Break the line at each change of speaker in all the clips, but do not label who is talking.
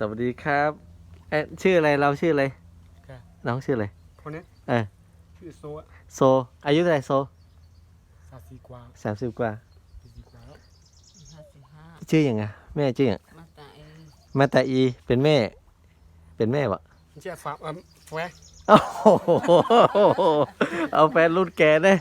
วัสดีครับชื่ออะไรเราชื่ออะไรน้องชื่ออะไร
คนนี้ชื่อโซะ
โซอายุเท่าไหร่โซ
30 กว่า
30 กว่า
40 กว่าแล้ว
55
ชื่อยังไงแม่ชื่อยัง
มาตาเอ
มาตาอีเป็นแม่วะ
ไม่ใช่ฝาแฟร์
โอ้โหเอาแฟนรุ่นแกนะ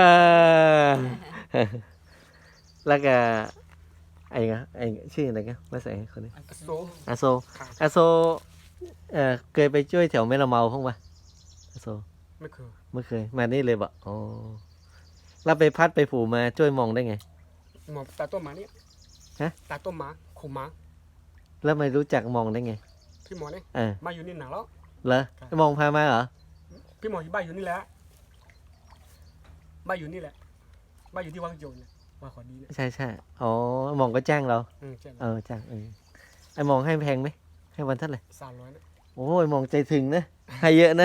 แล้วก็ไอ้ชื่ออะไรกันมาใส่คนนี้
โซ
อาโซอาโซเคยไปช่วยแถวแม่ละเมาพ้องปะอาโซ
ไม่เคย
ไม่เคยมานี่เลยบะอ๋อเราไปพัดไปผูมาช่วยมองได้ไง
หมอตาต้มหมาเนี่ย
ฮะ
ตาต้มหมาขู่หมา
แล้วไม่รู้จักมองได้ไง
พี่หมอเนี่ย
อ่า
มาอยู่นี่หนังแล้ว
เหรอมองพามาเหรอ
พี่หมออยู่บ้านอยู่นี่แหละบ้านอยู่นี่แหละบ้านอยู่ที่วังโยนเนี่ยว่าขอดีเนี่ย
ใช่ใช่อ๋อมองก็จ้างเรา
ใช่
จ้างไอ้มองให้แพงไหมให้วันเท่าไหร่
300นะ
โอ้ยมองใจถึงนะให้เยอะนะ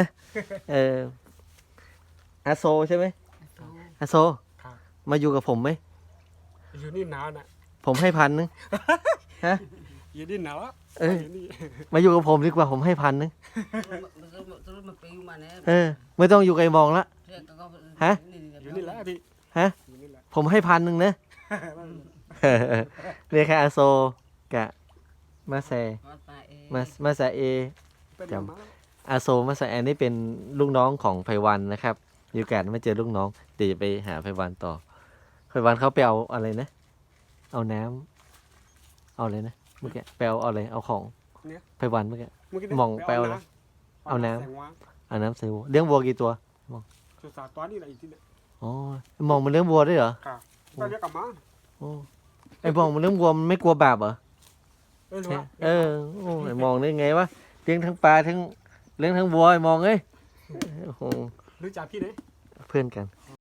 อาโซใช่ไหมอาโซ
ครับ
มาอยู่กับผมไหม
อยู่นี่หนาวนะ
ผมให้1,000ฮะ
อยู่นี่หนาวแล้ว อยู่นี่
มาอยู่กับผมดีกว่าผมให้1,000
terus mepeu mana
ไม่ต้องอยู่ไกลมองละ ฮะ
อยู่นี่แหละพี่
ฮะ
อยู่นี่แหละ
ผมให้1,000นะเนี่ยค่ะอาโซกะมาแซ
mata e
มาแซเอ
เป็น
จำ
หมาแล้ว
อาโซมาแซแอนนี่เป็นลูกน้องของไพวันนะครับมีโอกาสมาเจอลูกน้องเดี๋ยวจะไปหาไพวันต่อไพวันเขาไปเอาอะไรนะ เอาน้ำเอาอะไรนะเมื่อกี้ไปเอาอะไรเอาของไพวันเมื่อกี้
เมื่อกี้
มองไปเอาอะไรเอาน้ำ
แสงวาง
เอาน้ำใส่วัวเลี้ยงวัวกี่ตัว
สุดสาตัวนี่แหละอีกทีเนี่ย
อ๋อมองมันเลี้ยงวัวด้วยเหรอ
ค่ะต้องเรียกกลับมา
โอ้ไอ้มองมันเลี้ยงวัวมันไม่กลัวบาปเหรอ
หรือว่า
โอ้ไอ้มองได้ไงวะเลี้ยงทั้งปลาทั้งเลี้ยงทั้งวัวไอ้มองเอ้ยโอ้โห
รู้จักพี่ไหน
เพื่อนกัน